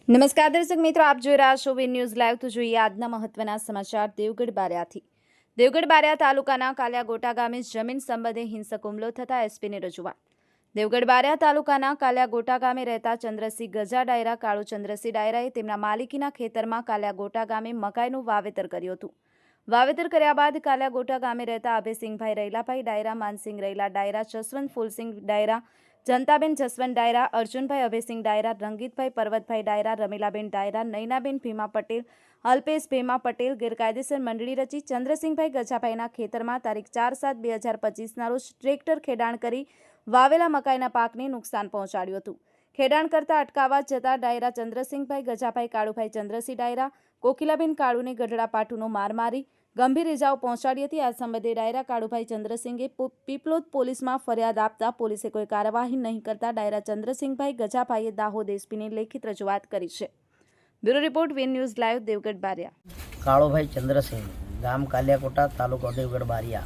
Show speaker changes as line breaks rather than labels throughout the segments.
નમસ્કાર દર્શક મિત્રો, આપ જોઈ રહ્યા છો વી ન્યૂઝ લાઈવ। તો જોઈએ આજના મહત્વના સમાચાર દેવગઢ બારિયાથી। દેવગઢ બારિયા તાલુકાના કાલિયાગોટા ગામે જમીન સંબંધે હિંસક હુમલો થતા એસપીને રજૂઆત। દેવગઢ બારિયા તાલુકાના કાલિયાગોટા ગામે રહેતા ચંદ્રસિંહ ગજા ડાયરા કાળુ ચંદ્રસિંહ ડાયરાએ તેમના માલિકીના ખેતરમાં કાલિયાગોટા ગામે મકાઈનું વાવેતર કર્યું હતું। વાવેતર કર્યા બાદ કાલિયાગોટા ગામે રહેતા અભયસિંહભાઈ રૈલાભાઈ ડાયરા, માનસિંહ રૈલા ડાયરા, જસવંત ફૂલસિંહ ડાયરા, જનતાબેન જસવંત ડાયરા, અર્જુનભાઈ અભયસિંહ ડાયરા, રંગીતભાઈ પર્વતભાઈ ડાયરા, રમીલાબેન ડાયરા, નૈનાબેન ભીમા પટેલ, અલ્પેશ ભીમા પટેલ ગેરકાયદેસર મંડળી રચી ચંદ્રસિંહભાઈ ગજાભાઈના ખેતરમાં તારીખ 4/7/2025ના રોજ ટ્રેક્ટર ખેડાણ કરી વાવેલા મકાઈના પાકને નુકસાન પહોંચાડ્યું હતું। ખેડાણ કરતા અટકાવવા જતા ડાયરા ચંદ્રસિંહભાઈ ગજાભાઈ કાળુભાઈ ચંદ્રસિંહ ડાયરા કોકિલાબેન કાળુને ગઢડા પાટુનો માર મારી ગંભીર ઇજાઓ પહોંચાડી હતી। આ સંબંધે ડાયરા કાળુભાઈ ચંદ્રસિંહે પીપલોદ પોલીસમાં ફરિયાદ આપતા પોલીસે કોઈ કાર્યવાહી નહીં કરતા ડાયરા ચંદ્રસિંહભાઈ ગજાભાઈએ દાહોદ એસપીને લેખિત રજૂઆત કરી છે। Bureau report, V news live, Devgadh Baria.
Kalubhai Chandrasinh, ગામ કાલિયાગોટા, તાલુકો દેવગઢ બારિયા।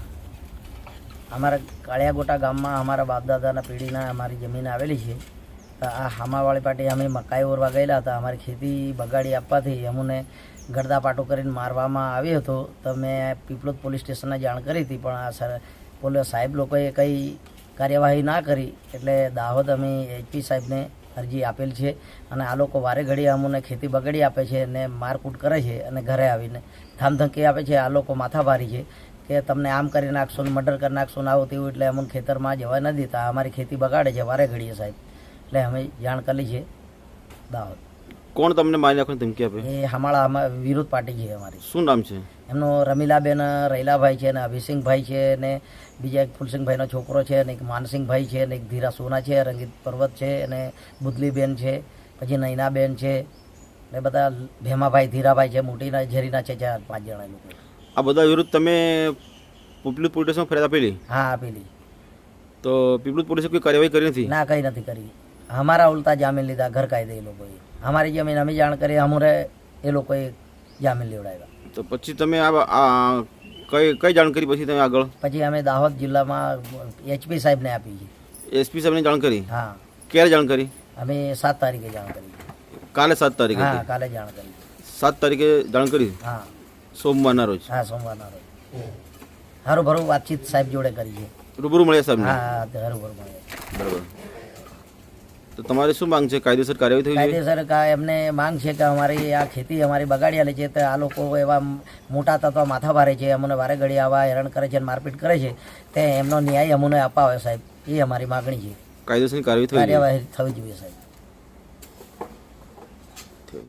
અમારા કાળિયાગોટા ગામમાં અમારા બાપદાદાના પેઢીના અમારી જમીન આવેલી છે। તો આ હામાવાળી પાટી અમે મકાઈ ઓરવા ગયેલા હતા। અમારી ખેતી બગાડી આપવાથી અમને ગરદા પાટો કરીને મારવામાં આવ્યો હતો। તો મેં પીપલોદ પોલીસ સ્ટેશનને જાણ કરી હતી, પણ પોલીસ સાહેબ લોકોએ કંઈ કાર્યવાહી ના કરી, એટલે દાહોદ અમે એચપી સાહેબને અરજી આપેલ છે। અને આ લોકો વારે ઘડીએ અમને ખેતી બગાડી આપે છે અને મારકૂટ કરે છે અને ઘરે આવીને ધામધમકી આપે છે। આ લોકો માથાભારી છે કે તમને આમ કરી નાખશો ને મર્ડર કરી નાખશો ને આવું તેવું, એટલે અમને ખેતરમાં જવા ન દેતા, અમારી ખેતી બગાડે છે વારે ઘડીએ સાહેબ। એટલે અમે જાણ કરી છે દાહોદ।
કોણ તમને મારી નાખવાની ધમકી આપે?
એ હમાળા વિરોધ પાર્ટી છે અમારી।
શું નામ છે
એમનો? રમીલાબેન રૈલાભાઈ છે, ને અભિસિંહભાઈ છે, ને બીજા એક ફૂલસિંહભાઈનો છોકરો છે, ને એક માનસિંહભાઈ છે, ને એક ધીરા સોના છે, રંગીત પર્વત છે, અને બુદલીબેન છે, પછી નૈનાબેન છે, ને બધા ભેમાભાઈ ધીરાભાઈ છે, મોટીના ઝેરીના છે, 4-5 જણા લોકો।
આ બધા વિરુદ્ધ તમે પીપલોદ પોલીસ સ્ટેશનમાં ફરિયાદ આપેલી?
હા, આપેલી।
તો પીપલોદ પોલીસે કોઈ કાર્યવાહી કરી નથી?
ના, કંઈ નથી કરી। અમારા ઉલટા જામીન લીધા ગેરકાયદે એ લોકોએ। અમારી જમીન અમે જાણ કરી, અમારે એ લોકોએ જામીન લેવડાવ્યા।
તો પછી તમે આ કઈ જાણ કરી? પછી તમે આગળ?
પછી અમે દાહોદ જિલ્લામાં એચપી સાહેબને આપી છે।
એસપી સાહેબને જાણ કરી?
હા।
ક્યારે જાણ કરી?
અમે 7 તારીખે જાણ કરી।
કાલે 7 તારીખે?
હા, કાલે જાણ કરી।
7 તારીખે જાણ કરી?
હા,
સોમવારના રોજ?
હા, સોમવારના રોજ। હારું ભરું વાતચીત સાહેબ જોડે કરી છે।
રૂબરૂ મળ્યા સાહેબ?
હા, હારું ભરું મળ્યા।
બરાબર। તો તમારી શું માંગ છે? કાયદેસર કાર્યવાહી થવી જોઈએ?
કાયદેસર એમને માંગ છે કે અમારી આ ખેતી અમારી બગાડી આલે છે, તો આ લોકો એવા મોટા તત્વ માથા ભારે છે, અમને વારે ઘડી આવા હેરાન કરે છે, મારપીટ કરે છે, તે એમનો ન્યાય અમને અપાવે સાહેબ, એ અમારી માગણી છે।
કાયદેસરની કાર્યવાહી થવી જોઈએ
સાહેબ।